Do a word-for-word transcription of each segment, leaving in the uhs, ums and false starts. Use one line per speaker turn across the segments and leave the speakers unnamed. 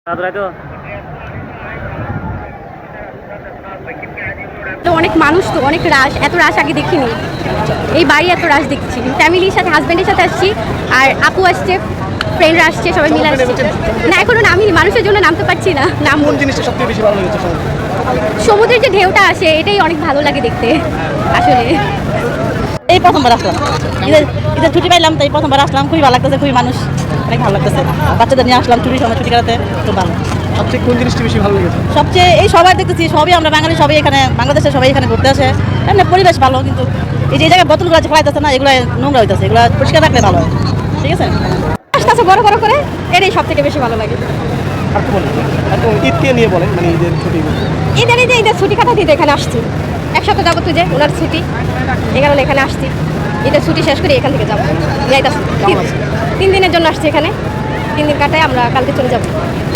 অনেক মানুষ তো অনেক রাশ, এত রাশ আগে দেখিনি। এই বাড়ি এত রাশ দেখছি। ফ্যামিলির সাথে হাজব্যান্ডের সাথে আসছি, আর আপু আসছে, ফ্রেন্ডরা আসছে, সবাই মিলে আসছে। না এখনো নামি, মানুষের জন্য নামতে পারছি না। নাম
কোন জিনিসটা সবথেকে বেশি ভালো লেগেছে?
সমুদ্রের যে ঢেউটা আসে এটাই অনেক ভালো লাগে দেখতে আসলে।
এই প্রথমবার আসলাম, ঈদের ঈদের ছুটি পাইলাম, তাই প্রথমবার আসলাম। খুবই ভালো লাগতেছে, খুবই মানুষ অনেক ভালো লাগতেছে। বাচ্চাদের নিয়ে আসলাম ছুটির সময়, ছুটি কাটাতে খুব ভালো।
সবচেয়ে কোন জিনিসটা বেশি ভালো লেগেছে?
সবচেয়ে এই সবাই দেখতেছি, সবই আমরা বাঙালি, সবাই এখানে বাংলাদেশের সবাই এখানে ঘুরতে আসে। এমনি পরিবেশ ভালো, কিন্তু এই যে জায়গায় বোতলগুলো আছে ফেলাইতেছে না, এগুলো নোংরা হইতেছে, এগুলো পরিষ্কার রাখলে ভালো হয়। ঠিক আছে,
আসতে বড় বড় করে, এটাই সব থেকে বেশি ভালো লাগে।
আর কি বলবেন? ঈদকে নিয়ে বলেন, মানে ঈদের ছুটি।
ঈদের এই যে ঈদের ছুটি কাটা দিতে এখানে আসছি, এক সপ্তাহ যাবো তুই যে ওনার ছুটি, এই কারণে এখানে আসছি। ঈদের ছুটি শেষ করে এখান থেকে যাবো, যাইতাছি। তিন দিনের জন্য আসছি এখানে, তিন দিন কাটায় আমরা কালকে চলে যাবো।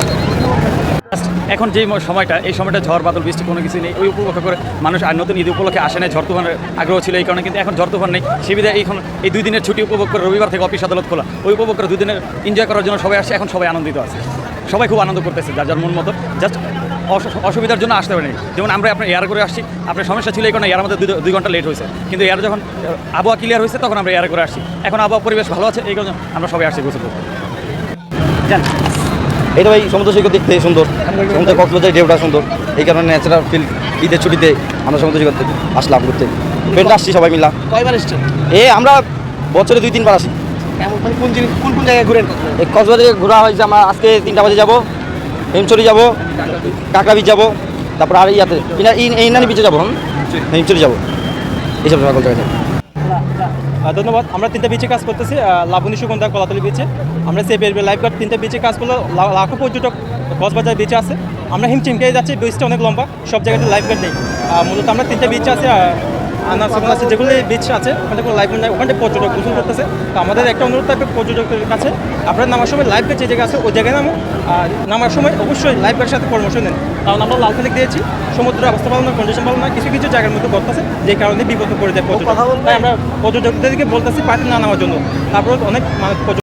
এখন যে সময়টা, এই সময়টা ঝড় বাদল বৃষ্টি কোনো কিছু নেই, ওই উপলক্ষ করে মানুষ আর নতুন ঈদ উপলক্ষে আসে না, ঝড় তুফানের আগ্রহ ছিল এই কারণে। কিন্তু এখন ঝড় তুফান নেই, সুবিধা এইখন এই দুই দিনের ছুটি উপভোগ করে, রবিবার থেকে অফিস আদালত খোলা, ওই উপভোগ করে দুই দিনের এনজয় করার জন্য সবাই আসছে। এখন সবাই আনন্দিত আছে, সবাই খুব আনন্দ করতেছে যার যার মন মতো। জাস্ট অসুবিধার জন্য আসতে পারেনি। যেমন আমরা আপনার এয়ার করে আসছি, আপনার সমস্যা ছিল এই কারণে এয়ার আমাদের দুই ঘন্টা লেট হয়েছে, কিন্তু এয়ার যখন আবহাওয়া ক্লিয়ার হয়েছে তখন আমরা এয়ার করে আসছি। এখন আবহাওয়া পরিবেশ ভালো আছে, এই কারণে আমরা সবাই আসছি গোসল করতে। জান
এই তো ভাই, সমুদ্র সৈকত দেখতে সুন্দর, সমুদ্র কক্সবাজারের ঢেউটা সুন্দর, এই কারণে ন্যাচারাল ফিল। ঈদের ছুটিতে আমরা সমুদ্র সৈকত আসলাম ঘুরতে, ফ্রেন্ড আসছি সবাই মিলা।
কয়বার এসছেন?
এ আমরা বছরে দুই তিনবার আসি।
কেমন, মানে কোন জিনিস, কোন কোন জায়গায় ঘুরেন?
এই কক্সবাজারে ঘোরা হয়েছে আমরা, আজকে তিনটা বাজে যাবো, হেমচুরি যাবো, কাঁকড়া বিচ যাবো, তারপর আর ইয়াতে এই নানি বিচে যাবো, হেমচুরি যাবো, এইসব সকল জায়গায়।
ধন্যবাদ। আমরা তিনটা বিচে কাজ করতেছি, লাবণী, সুগন্ধা, কলাতলি বিচে। আমরা সেভ লাইফ গার্ড তিনটা বিচে কাজ করলে লাখো পর্যটক কক্সবাজার বিচে আছে। আমরা হিমচিমকে যাচ্ছি, বিচটা অনেক লম্বা, সব জায়গাতে লাইফ গার্ড নেই। মূলত আমরা তিনটা বিচ আছে, আনা সুগন্ধা আছে, যেগুলো বিচ আছে ওখানে কোনো লাইফ গার্ড নেই, ওখানে পর্যটক গোসল করতেছে। তো আমাদের একটা অনুরোধ থাকবে পর্যটকদের কাছে, আপনারা নামার সময় লাইফ গার্ড যে জায়গায় আছে ওই জায়গায় নামো, আর নামার সময় অবশ্যই লাইফ গার্ডের সাথে পরামর্শ নেন। কারণ আমরা লাল ফেলে দিয়েছি, সমুদ্রের অবস্থা ভালো না, কন্ডিশন ভালো না, কিছু কিছু জায়গার মধ্যে ঘটতেছে, যে কারণে বিপদ করে যায় পর্যটক। তাই আমরা পর্যটকদেরকে বলতেছি পার্টি না নেওয়ার জন্য। তারপর অনেক মানে